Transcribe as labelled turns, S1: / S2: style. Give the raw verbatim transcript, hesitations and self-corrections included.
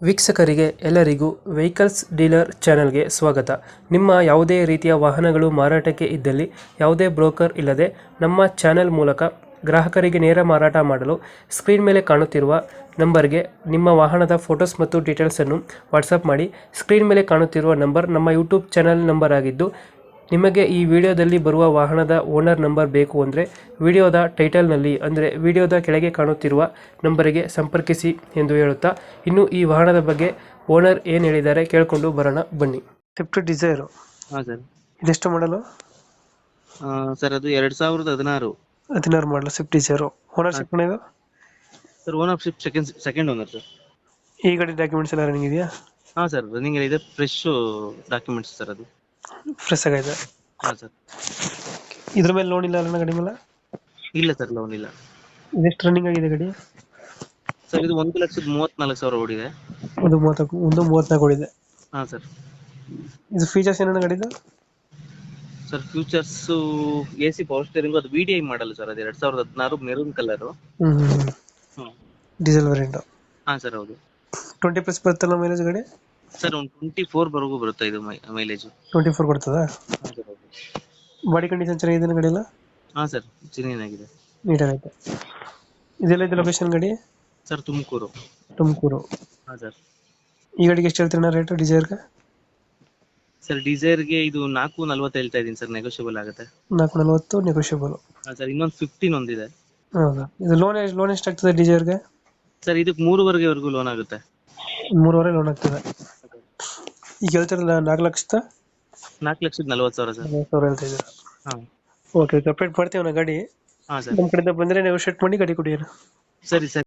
S1: ವೀಕ್ಷಕರಿಗೆ ಎಲ್ಲರಿಗೂ vehicles dealer ಚಾನೆಲ್ಗೆ ಸ್ವಾಗತ. ನಿಮ್ಮ ಯಾವುದೇ ರೀತಿಯ ವಾಹನಗಳು ಮಾರಾಟಕ್ಕೆ ಇದ್ದಲ್ಲಿ ಯಾವುದೇ ಬ್ರೋಕರ್ ಇಲ್ಲದೆ ನಮ್ಮ ಚಾನೆಲ್ ಮೂಲಕ ಗ್ರಾಹಕರಿಗೆ ನೇರ ಮಾರಾಟ ಮಾಡಲು ಸ್ಕ್ರೀನ್ ಮೇಲೆ ಕಾಣುತ್ತಿರುವ ನಂಬರ್ಗೆ ನಿಮ್ಮ ವಾಹನದ ಫೋಟೋಸ್ ಮತ್ತು ಡೀಟೇಲ್ಸನ್ನು ವಾಟ್ಸಪ್ ಮಾಡಿ. ಸ್ಕ್ರೀನ್ ಮೇಲೆ ಕಾಣುತ್ತಿರುವ ನಂಬರ್ ನಮ್ಮ ಯೂಟ್ಯೂಬ್ ಚಾನೆಲ್ ನಂಬರ್ ಆಗಿದ್ದು, ನಿಮಗೆ ಈ ವಿಡಿಯೋದಲ್ಲಿ ಬರುವ ವಾಹನದ ಓನರ್ ನಂಬರ್ ಬೇಕು ಅಂದರೆ ವಿಡಿಯೋದ ಟೈಟಲ್ನಲ್ಲಿ ಅಂದರೆ ವಿಡಿಯೋದ ಕೆಳಗೆ ಕಾಣುತ್ತಿರುವ ನಂಬರಿಗೆ ಸಂಪರ್ಕಿಸಿ ಎಂದು ಹೇಳುತ್ತಾ, ಇನ್ನು ಈ ವಾಹನದ ಬಗ್ಗೆ ಓನರ್ ಏನು ಹೇಳಿದ್ದಾರೆ ಕೇಳಿಕೊಂಡು ಬರೋಣ ಬನ್ನಿ. ಸ್ವಿಫ್ಟ್ ಡಿಸೈರು
S2: ಹಾಂ ಸರ್.
S1: ಇದೆಷ್ಟು ಮಾಡಲು?
S2: ಸರ್ ಅದು ಎರಡು ಸಾವಿರದ ಹದಿನಾರು
S1: ಹದಿನಾರು ಮಾಡಲು ಸ್ವಿಫ್ಟ್ ಡಿಸೈರು. ಓನರ್ಶಿಪ್ ಇದು
S2: sir. Ownership second second owner sir.
S1: ಈ ಗಾಡಿ ಡಾಕ್ಯುಮೆಂಟ್ಸ್ ಎಲ್ಲ ರನ್ನಿಂಗ್ ಇದೆಯಾ?
S2: ಹಾಂ ಸರ್, ರನ್ನಿಂಗ್ ಇದೆ. ಫ್ರೆಶ್ ಡಾಕ್ಯುಮೆಂಟ್ಸ್ ಸರ್ ಅದು.
S1: ಫ್ರೆಶ್ ಆಗಿದೆ.
S2: ಹಾಂ ಸರ್.
S1: ಇದ್ರ ಮೇಲೆ ಲೋನ್ ಇಲ್ಲ ಅಲ್ಲ ಗಾಡಿ ಮೇಲೆ?
S2: ಇಲ್ಲ ಸರ್, ಲೋನ್ ಇಲ್ಲ.
S1: ಇದೆಷ್ಟು ರನ್ನಿಂಗ್ ಆಗಿದೆ ಗಾಡಿ?
S2: ಸರ್ ಇದು ಒಂದು ಲಕ್ಷದ ಮೂವತ್ತ್ನಾಲ್ಕು ಸಾವಿರ ಓಡಿದೆ.
S1: ಒಂದು ಮೂವತ್ತಕ್ಕೂ ಒಂದು ಮೂವತ್ನಾಲ್ಕು ಓಡಿದೆ.
S2: ಹಾಂ ಸರ್.
S1: ಇದು ಫೀಚರ್ಸ್ ಏನೇನು ಗಾಡಿದು?
S2: Sir features A C power steering, ಅದು V D I model sir. ಅದು ಎರಡು ಸಾವಿರದ ಹದಿನಾರು ಮೆರೂನ್ ಕಲರು.
S1: ಹ್ಞೂ ಹ್ಞೂ
S2: ಹ್ಞೂ
S1: ಡೀಸೆಲ್ ವೇರಿಯಂಟು.
S2: ಹಾಂ ಸರ್, ಹೌದು.
S1: ಟ್ವೆಂಟಿ ಪ್ಲಸ್ ಬರುತ್ತಲ್ಲ ಮೈಲೇಜ್ ಗಾಡಿ?
S2: ಸರ್ ಒಂದು ಟ್ವೆಂಟಿ ಫೋರ್ ವರೆಗೂ ಬರುತ್ತೆ ಇದು ಮೈ ಮೈಲೇಜು.
S1: ಟ್ವೆಂಟಿ ಫೋರ್ ಕೊಡ್ತದಾ?
S2: ಹಾಂ ಸರ್, ಹೌದು.
S1: ಬಾಡಿ ಕಂಡೀಷನ್ ಚೆನ್ನಾಗಿದೆ ಗಾಡಿ ಎಲ್ಲ?
S2: ಹಾಂ ಸರ್, ಚೆನ್ನಾಗಿದೆ.
S1: ನೀಟಾಗೈತೆ. ಇದೆಲ್ಲ ಇದೆ ಲೊಕೇಶನ್ ಗಾಡಿ?
S2: ಸರ್ ತುಮಕೂರು.
S1: ತುಮಕೂರು.
S2: ಹಾಂ ಸರ್.
S1: ಈ ಗಾಡಿಗೆ ಎಷ್ಟು ಹೇಳ್ತೀರಣ್ಣ ರೇಟು ಡಿಸೈರ್ಗೆ?
S2: ಸರ್ ಡಿಸೈರ್ಗೆ ಇದು ನಾಲ್ಕು ನಲ್ವತ್ತು ಹೇಳ್ತಾ ಇದ್ದೀನಿ ಸರ್, ನೆಗೋಷಿಯಬಲ್ ಆಗುತ್ತೆ.
S1: ನಾಲ್ಕು ನಲ್ವತ್ತು ನೆಗೋಷಿಯಬಲ್.
S2: ಹಾಂ ಸರ್, ಇನ್ನೊಂದು ಫಿಫ್ಟೀನ್ ಒಂದಿದೆ.
S1: ಹೌದಾ? ಇದು ಲೋನ್ ಲೋನ್ ಎಷ್ಟಾಗ್ತದೆ ಡಿಸೈರ್ಗೆ?
S2: ಸರ್ ಇದಕ್ಕೆ ಮೂರುವರೆಗೆವರೆಗೂ ಲೋನ್ ಆಗುತ್ತೆ.
S1: ಮೂರುವರೆ ಲೋನ್ ಆಗ್ತದೆ. ಈಗ ಹೇಳ್ತಿರಲ್ಲ ನಾಲ್ಕು ಲಕ್ಷದ
S2: ನಾಲ್ಕು ಲಕ್ಷದ ನಲ್ವತ್ತು ಸಾವಿರ ಸರ್.
S1: ನಲವತ್ತು ಸಾವಿರ ಹೇಳ್ತಾ ಇದ್ದೀರಾ?
S2: ಹಾಂ.
S1: ಓಕೆ, ಕಂಪ್ಲೀಟ್ ಮಾಡ್ತೀವಿ ನಾ ಗಾಡಿ.
S2: ಹಾಂ ಸರ್.
S1: ನಮ್ಮ ಕಡೆಯಿಂದ ಬಂದರೆ ನೆಗೋಷಿಯೇಟ್ ಮಾಡಿ ಗಾಡಿ ಕೊಡಿ.
S2: ಸರಿ ಸರ್.